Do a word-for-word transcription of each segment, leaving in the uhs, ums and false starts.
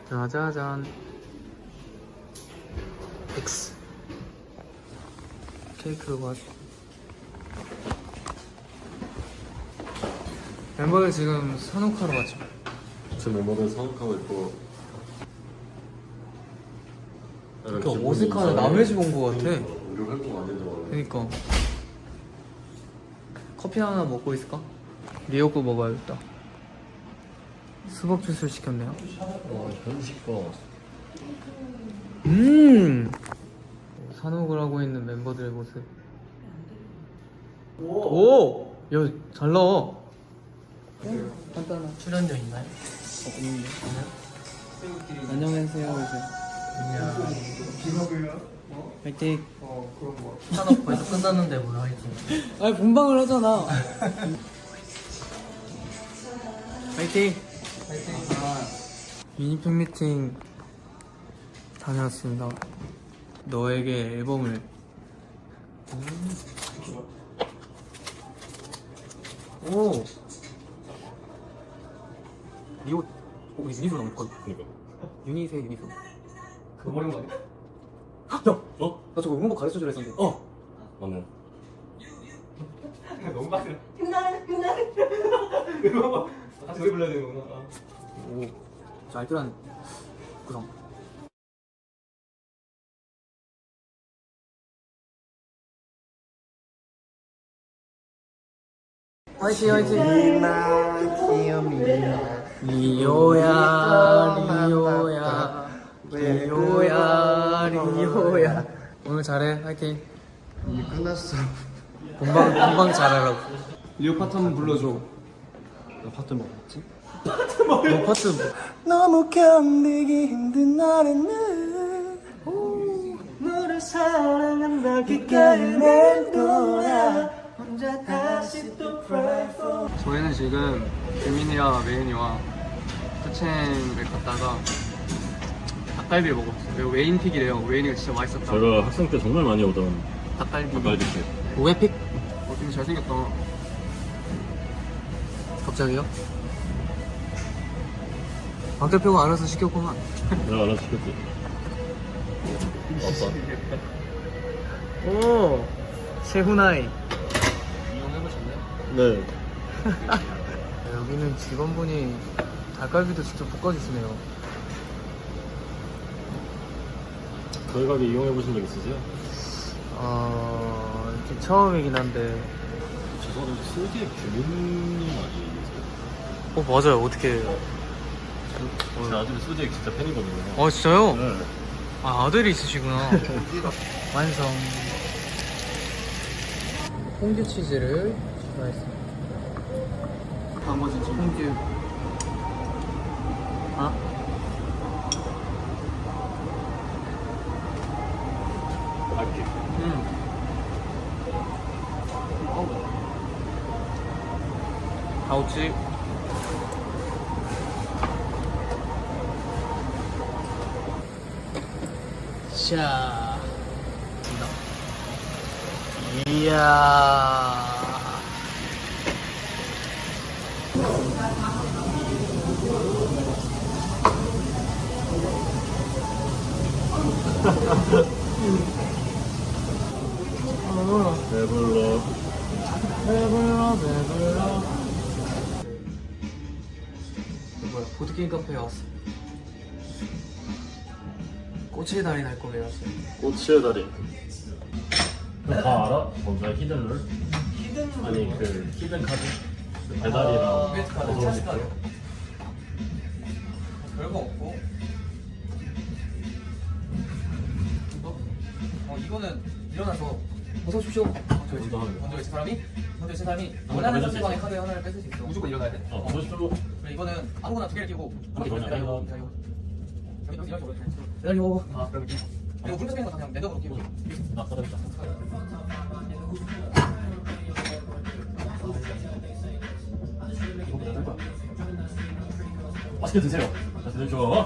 짜자잔. X 케이크로 가지. 멤버들 지금 산옥하러 갔죠. 지금 멤버들 산옥하고 있고. 이렇게 어색한 남의 집 온 거 같아. 우리 활동 안 된다고. 그니까 커피 하나 먹고 있을까? 미역국 먹어야겠다. 수박 주스를 시켰네요. 어, 현식과. 음 산옥을 하고 있는 멤버들의 모습. 오! 야, 잘 나와. 간단한 출연료 있나요? 어, 없는데. 안녕하세요, 이제. 안녕. 화이팅. 산업 벌써 끝났는데 뭘 화이팅. 아니, 본방을 하잖아. 화이팅. 화이팅. 미니 팬미팅 다녀왔습니다. 너에게 앨범을. 오. 리오. 어, 우리 유니소 나올 걸. 그니까. 유니세 유니소. 그거 버린 거 아니야? 야, 어? 나 저거 응원법 가르쳐 주려 했었는데. 어! 맞네. 너무 빡세. 끝나네, 끝나네. 이거 같이 노래 불러야 되는 거구나. 오, 저 알뜰한 구성. 화이팅 화이팅. 리오야 리오야 리오야 리오야. 오늘 잘해. 화이팅. 이미 끝났어. 본방 본방 잘하라고. 리오 파트 한번 불러줘. 나 파트 먹었지? 너 파트 뭐? 너무 견디기 힘든 날에는 너를 사랑한다 귓가에 맴돌아 혼자 다시 또 pray for. 저희는 지금 규민이와 메인이와 투첸을 갔다가 닭갈비를 먹었어요. 이거 웨인픽이래요. 웨인이가 진짜 맛있었다. 제가 학생 때 정말 많이 오던 닭갈비. 닭갈비집. 오해픽? 어, 되게 잘생겼다. 갑자기요? 박 대표가 알아서 시켰구만. 내가 알아서 시켰지. 아빠. 오, 세훈아이. 이용해보셨나요? 네. 여기는 직원분이 닭갈비도 직접 볶아주시네요. 저희 가게 이용해보신 적 있으세요? 어, 이렇게 처음이긴 한데. 죄송한데 소재 규민님 아니세요? 어, 맞아요. 어떻게. 제 아들이 소재 진짜 팬이거든요. 어, 진짜요? 네. 아, 아들이 있으시구나. 완성. 퐁듀 치즈를 추가했습니다. 나머지 지금 퐁듀. 아? 할게. 음. 아우치. 자. 이야. 배불러. 배불러 배불러. 뭐야, 보드게임 카페에 왔어. 꼬치의 달인 할 거예요. 꼬치의 다리. 다 알아? 뭔가 히든룰? 히든 아니 그 히든 카드? 그 배달이랑 이벤트 카드, 어서오는 찬스 거. 카드. 별거 없고. 이거? 어 이거는 일어나서 어서 오십시오. 먼저 외치- 먼저 하는 거. 먼저 외친 사람이 먼저 외친 사람이 먼저 원하는 외칠 수 상대방의 있어. 카드 하나를 뺏을 수 있어. 무조건 일어나야 돼. 어, 어서 오십시오. 그래 이거는 아무거나 두 개를 끼고 한 개, 기다려 그냥 기다려 기다려 기다려 기다려 아 그럼 이렇게 이거 물에서 빼는 거 그냥 매듭으로 끼고 아, 사라졌다. 맛있게 드세요. 자, 드세요.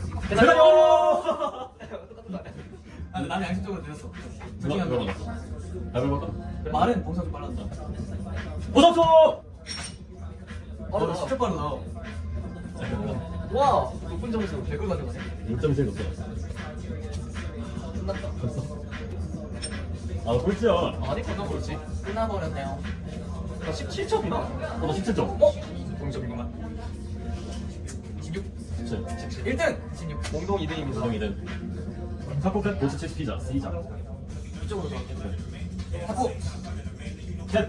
기다려 아 근데 나는 양심적으로 드렸어 둘 중에 한 명. 열어놨어. 가위바위보 할까? 말은 봉사 좀 빨랐다. 보석초! 빠르다. 진짜 빠르다. 와, 높은 점수 백 걸 가져가네. 육 점이 제일 높아. 끝났다. 벌써? 아, 꼴찌야. 아니, 끝나 그렇지. 끝나버렸네요. 나 십칠 점이나. 어, 나 십칠 점. 어? 동점이구만. 십육. 십칠. 십칠. 일 등. 십육. 공동 이 등입니다. 구성이든. 타코캣 보스 치즈 피자, C자. 이쪽으로 들어갈게. 타코. 캣!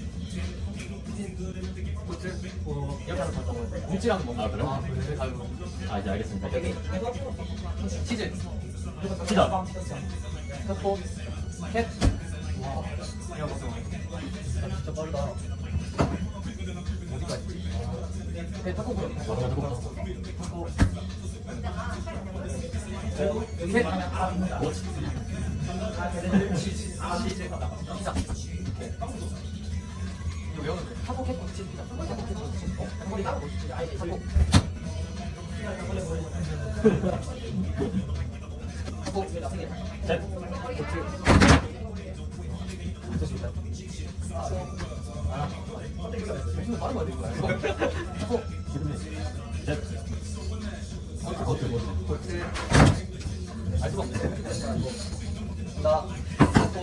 코트. 어, 이렇게 하는 거 같다고. 묵지랑 먹는 아, 그래? 아, 그래. 가위바위보. 아, 이제 알겠습니다. 여기. 치즈. 피자. 타코. 캣. 와. 이거 먹어. 진짜 빠르다. 어디까지? 네, 타코 그럼. 마지막 타코. 타코. 캣. 뭐지? 치즈. 치즈. 피자. 이거 외우는데. 타코 캣 치즈 피자. 타코 캣 치즈. 어? 타코 캣 치즈. 아이 타코. 타코. 캣! 좋습니다. 아, 무슨 말은 안 되는 거야? 타코. 캣! 버트, 버트. 볼트. 알 수가 없네. 나 타코.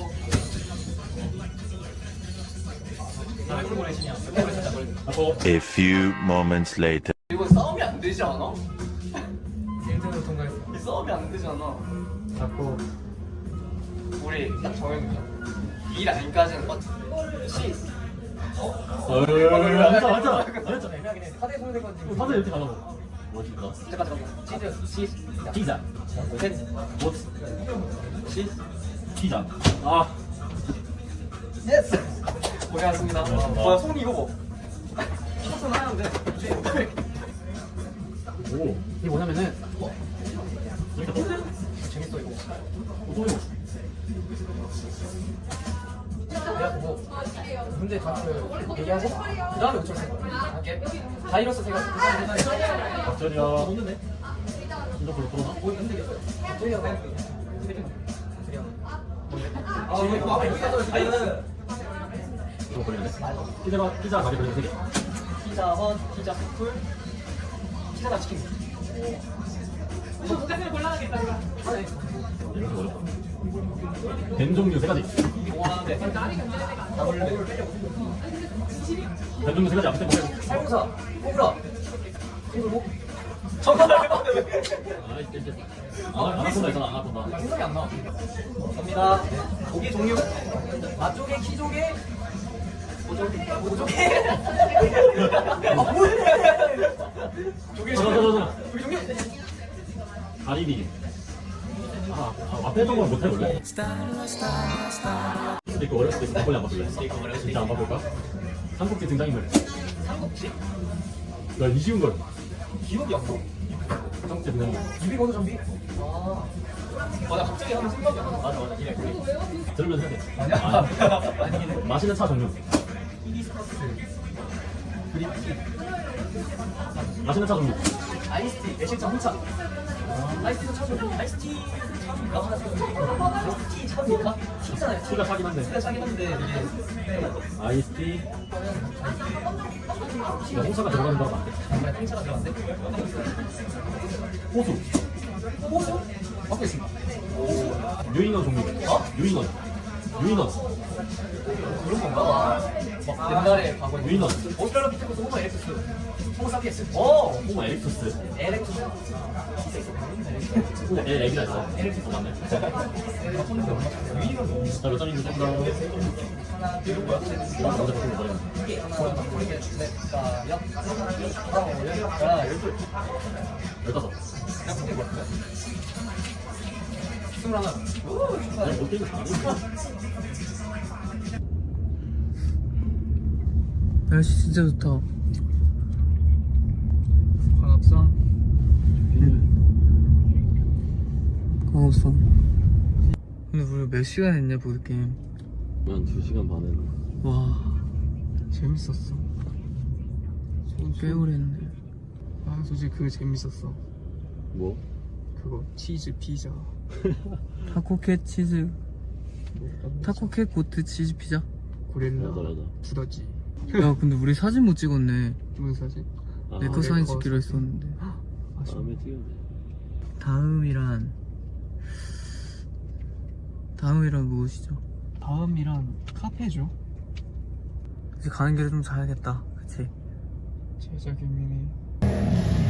나 콜라보레이션이야. 콜라보레이션 잘 걸려. 타코. A few moments later. 이거 싸움이 안 되지 않아? 일 등으로 통과했어. 이 싸움이 안 되잖아. 타코. 우리 딱 정해놓자. 이 라인까지는 맞. 시. 어, 맞아, 맞아. 안 했잖아. 애매하긴 해. 카드에 손을 대고 지금. 다들 이렇게 가라고. 멋있다. 잠깐 잠깐. 치즈. 시. 피자. 셋. 보스. 시. 피자. 아. 예스. 고생하셨습니다. 고생하셨습니다. 와, 손 이거 봐. 피자선 하얀데. 오. 이게 뭐냐면은 이렇게 또? 재밌어 이거. 또 이거. 그래갖고 문제 답을 얘기하고 그 다음에 우측 세 번. 할게. 바이러스 제가 박철이야. 없는데? 진짜 별로 풀어나? 뭐 힘들겠어요. 저희가 그냥 세팅. 아, 이거 이거 아마 여기가 더 아이는 이거 걸리네. 피자가, 피자 가게 걸리는 세 개. 피자 원, 피자 풀, 피자랑 치킨. 똑같은 골라야겠다 이거. 이렇게 어렵다. 뱀 종류 세 가지. 와, 네. 다 걸려. 뱀 종류 세 가지 앞에 보세요. 살구사, 꼬브라, 그리고 정답을 해봤는데 왜? 아, 이제 이제. 아, 아나콘다 있잖아, 아나콘다. 생각이 안 나. 갑니다. 고기 종류. 맛조개, 키조개. 모조개. 모조개. 아, 뭐야? 조개 저, 저, 저, 종류. 저. 조개 종류. 가리비. 아, 아, 앞에 했던 걸 못해, 원래. 스테이크 어려울 때 막걸리 안 바꿀래? 스테이크 어려울 때 진짜 안 바꿀까? 삼국지 등장인물. 삼국지. 야, 이 쉬운 걸. 기억이 안 나. 삼국지 등장인물. 유비건조 좀비. 아. 맞아, 갑자기 하면 생각이 안 나. 맞아, 맞아. 이래. 들으면 해야 돼. 아니야. 아, 아니긴 해. 마시는 차 종류. 히비스커스. 그리티. 마시는 차 종류. 아이스티. 매실차 홍차. 아이스티도 차죠. 아이스티. 차입니까? 아이스티 차입니까? 티잖아요. 티가 차긴 한데. 티가 차긴 한데 이게. 아이스티. 야, 홍차가 들어가는 거랑 맞대. 정말 홍차가 들어갔는데. 호수. 호수? 맡고 있습니다. 유인원 종류. 어? 유인원. 유인원. 그런 건가? 막 옛날에 과거에. 유인원. 오스트랄로피테쿠스 호모 에렉투스. 호모 사피엔스. 오! 호모 에릭투스. 에렉투스. 호모 에렉이라 했어. 에렉투스. 어, 맞네. 유인원 너무. 자, 몇 점인지 좀 더. 하나, 이거 뭐야? 먼저 바꾸는 거야. 이게 하나, 둘, 셋, 넷, 여, 아, 야, 열둘. 열다섯. 야, 근데 뭐야? 스물하나. 오, 아니, 못 깨고 잘하네. 날씨 진짜 좋다. 광합성. 광합성. 근데 우리 몇 시간 했냐 보드게임. 한 두 시간 반에. 와 재밌었어. 꽤 오래 했네. 아 솔직히 그거 재밌었어. 뭐? 그거 치즈 피자. 타코캣 치즈 타코 케이크 고트 치즈 피자. 고릴라 맞아, 맞아. 두더지. 야 근데 우리 사진 못 찍었네. 무슨 사진? 아, 내 거 내 사진 거 찍기로 사진. 했었는데. 다음에 찍으면 돼. 다음이란 다음이란 무엇이죠? 다음이란 카페죠. 이제 가는 길에 좀 자야겠다. 그치? 제자 김민희.